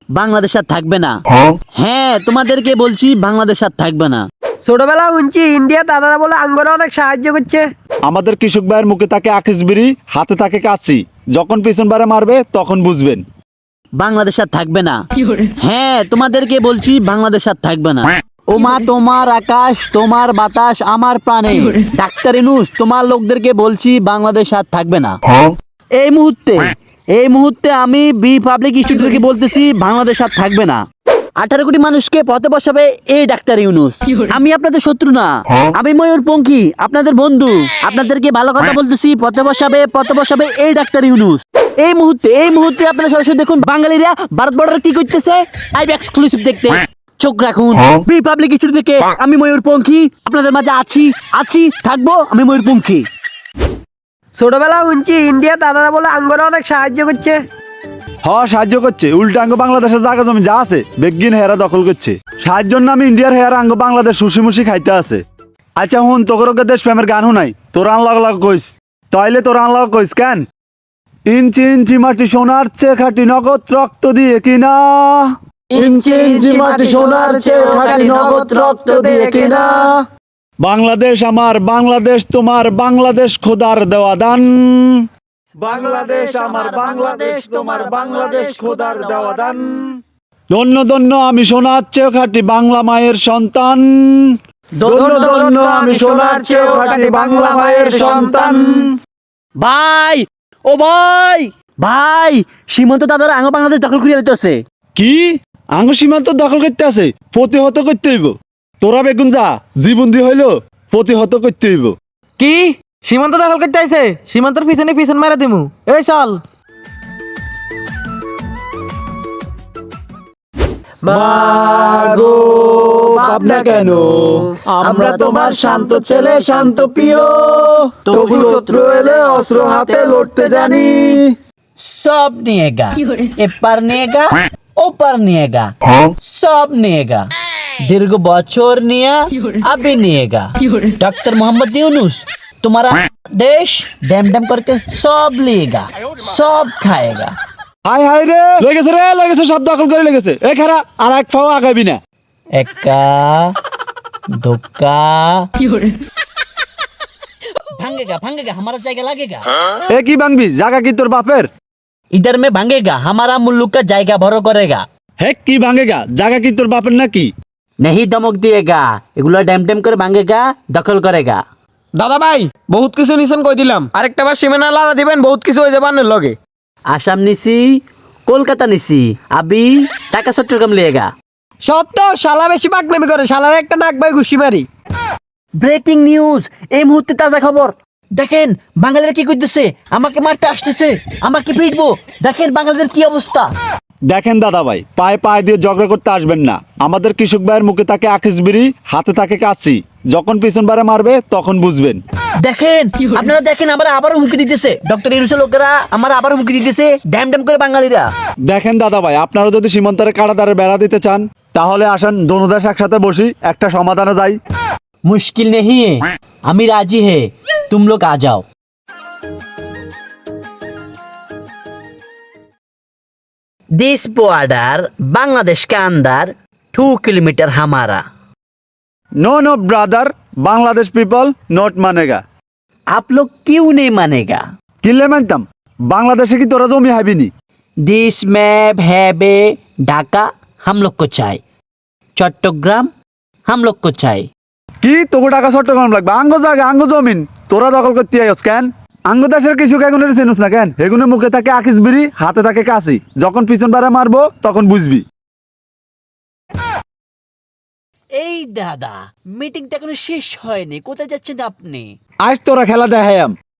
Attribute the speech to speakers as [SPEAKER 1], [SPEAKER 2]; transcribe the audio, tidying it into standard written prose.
[SPEAKER 1] বাংলাদেশ আর থাকবে না। হ্যাঁ, তোমাদেরকে বলছি বাংলাদেশ আর থাকবে না।
[SPEAKER 2] ছোটবেলা শুনছি ইন্ডিয়া দাদারা বলে আঙ্গরা অনেক সাহায্য করছে।
[SPEAKER 3] আমাদের কৃষক ভাইয়ের মুখে থাকে আকিস বিড়ি, হাতে থাকে কাশি, যখন পিছন বারে মারবে তখন বুঝবেন
[SPEAKER 1] বাংলাদেশ আর থাকবে না। হ্যাঁ, তোমাদেরকে বলছি বাংলাদেশ আর থাকবে না। ও মা, তোমার আকাশ, তোমার বাতাস আমার প্রাণে। ডাক্তার ইউনূস, তোমার লোকদেরকে বলছি বাংলাদেশ আর থাকবে না। এই মুহূর্তে আমি বি পাবলিক স্টুডিওকে বলতেছি বাংলাদেশ আর থাকবে না। 18 কোটি মানুষকে পথে বসাবে এই ডাক্তার ইউনূস। আমি আপনাদের শত্রু না, আমি ময়ূরপঙ্খী, আপনাদের বন্ধু। আপনাদেরকে ভালো কথা বলতেছি, পথে বসাবে এই ডাক্তার ইউনূস। এই মুহূর্তে আপনারা সরাসরি দেখুন বাঙালিরা ভারত বর্ডারে কি করতেছে। লাইভ এক্সক্লুসিভ দেখতে চোখ রাখুন বি পাবলিক স্টুডিও থেকে। আমি ময়ূরপঙ্খী, আপনাদের মাঝে আছি থাকবো। আমি ময়ূরপঙ্খী।
[SPEAKER 2] ছোটবেলা শুনছি ইন্ডিয়া দাদারা বলে আঙ্গরা অনেক সাহায্য করছে।
[SPEAKER 3] সাহায্য করছে, উল্টা আঙ্গ বাংলাদেশের জায়গা জমি যা আছে বেগিন হেরা দখল করছে। সাহায্যের নামে ইন্ডিয়ার হেয়ার আঙ্গ বাংলাদেশ সুশি খাইতে আছে। আচ্ছা হুন, তোকে দেশ প্রেমের গান শুনাই, তোর আনলাগ কইস তাইলে তোর আনলাগ কইস কেন? ইঞ্চি ইঞ্চি মাটি সোনার চেয়ে খাটি নগদ রক্ত দিয়ে কিনা, ইঞ্চি ইঞ্চি মাটি সোনার চেয়ে খাটি নগদ রক্ত দিয়ে কিনা। বাংলাদেশ আমার, বাংলাদেশ তোমার, বাংলাদেশ খোদার দেওয়া দান। বাংলাদেশ আমার, বাংলাদেশ তোমার, বাংলাদেশ খোদার দেওয়া দান। ধন্য ধন্য আমি সোনার চেয়ে খাটি বাংলা মায়ের সন্তান। ধন্য ধন্য আমি সোনার চেয়ে খাটি বাংলা মায়ের সন্তান।
[SPEAKER 1] ভাই, ও ভাই, সীমান্ত দাদারা আঙ্গ বাংলাদেশ দখল করিয়া দিতেছে।
[SPEAKER 3] কি আঙ্গ সীমান্ত দখল করতে আছে? প্রতিহত করতে হইব। তোরা বেগুন যা, জীবন দিয়ে হইলো প্রতিহত করতে হইব।
[SPEAKER 2] কি সীমান্ত দখল করতে আইছে? সীমান্তর পিছন মারা দিমু। এই চল।
[SPEAKER 3] মাগো ভাবনা কেন, আমরা তোমার শান্ত ছেলে, শান্ত প্রিয়, তবু শত্রু এলে অস্ত্র হাতে লড়তে জানি।
[SPEAKER 1] সব নিয়েগা, এপার নিয়েগা, ওপার নিয়েগা, সব নিয়েগা। দীর্ঘ বছর নিয়া अभी নিয়েগা। डॉक्टर मोहम्मद यूनुस तुम्हारा देश डैम डैम करके सब लेगा, सब खाएगा।
[SPEAKER 3] হাই হাই রে, লেগেছে সব দখল করে লেগেছে। এই খারা আর এক পাও আগাবি না।
[SPEAKER 1] एक्का धोखा भांगेगा हमारा जायगा लगेगा।
[SPEAKER 3] এ কি ভাঙবি? জায়গা কি তোর বাপের?
[SPEAKER 1] इधर में भांगेगा, हमारा मुल्क का जायगा भरो करेगा।
[SPEAKER 3] হে কি ভাঙেগা? জায়গা কি তোর বাপের নাকি?
[SPEAKER 1] नहीं धमक दिएगा, এগুলো ড্যাম ড্যাম করে ভাঙেগা, দখল করেগা।
[SPEAKER 2] দাদা ভাই বহুত কিছু নিছেন কই দিলাম, আরেকটা বার সীমানা লাড়া দিবেন, বহুত কিছু হয়ে যাবে আনের লগে।
[SPEAKER 1] আসাম নিছি, কলকাতা নিছি, আবি ঢাকা চট্টগ্রাম লিয়েগা।
[SPEAKER 2] সত্য শালা বেশি পাকনামি করে, শালার একটা নাক ভাই ঘুষি মারি।
[SPEAKER 1] ব্রেকিং নিউজ, এই মুহূর্তে তাজা খবর। দেখেন বাঙালিরা কি করতেছে, আমাকে মারতে আসতেছে, আমাকে পিটবো। দেখেন বাঙালিদের কি অবস্থা।
[SPEAKER 3] দেখেন দাদা ভাই, পায়ে দিয়ে ঝগড়া করতে আসবেন না। আমাদের কৃষক ভাইয়ের মুখে থাকে আকিস বিড়ি, হাতে থাকে কাশি, যখন পিছন বারে মারবে তখন বুঝবেন।
[SPEAKER 1] দেখেন আপনারা দেখেন, আমরা আবারও হুমকি দিতেছে। ডক্টর ইউনূসের লোকেরা আমার আবার হুমকি দিতেছে, ড্যাম ড্যাম করে বাঙালিরা।
[SPEAKER 3] দেখেন দাদা ভাই, আপনারা যদি সীমান্তের কাঁটাতারে বেড়া দিতে চান তাহলে আসেন, দোনো দেশ একসাথে বসি, একটা সমাধানে যাই।
[SPEAKER 1] मुश्किल नहीं है, আমি राजी है, तुम लोग आ जाओ। दिस बॉर्डर बांग्लादेश के अंदर 2 किलोमीटर हमारा।
[SPEAKER 3] No brother, Bangladesh people not मानेगा।
[SPEAKER 1] आप लोग क्यों नहीं मानेगा?
[SPEAKER 3] কিলে মানতাম, বাংলাদেশে কি তোরা জমি হাবিনি?
[SPEAKER 1] दिस मैप है बे ढाका हम लोग को चाहिए, चट्टग्राम हम लोग को चाहिए।
[SPEAKER 3] কি তোকে টাকা চট্টগ্রাম লাগবে? আঙ্গ জায়গা, আঙ্গ জমিন তোরা দখল করতে আইস কেন? আঙ্গ দেশের কৃষক এগুনের চিনুস না কেন? এগুনের মুখে থাকে আকিস বিড়ি, হাতে থাকে কাশি, যখন পিছন বারে মারবো তখন বুঝবি।
[SPEAKER 1] এই দাদা, মিটিংটা এখনো শেষ হয়নি, কোথায় যাচ্ছেন আপনি?
[SPEAKER 3] আজ তোরা খেলা দেখাইয়াম।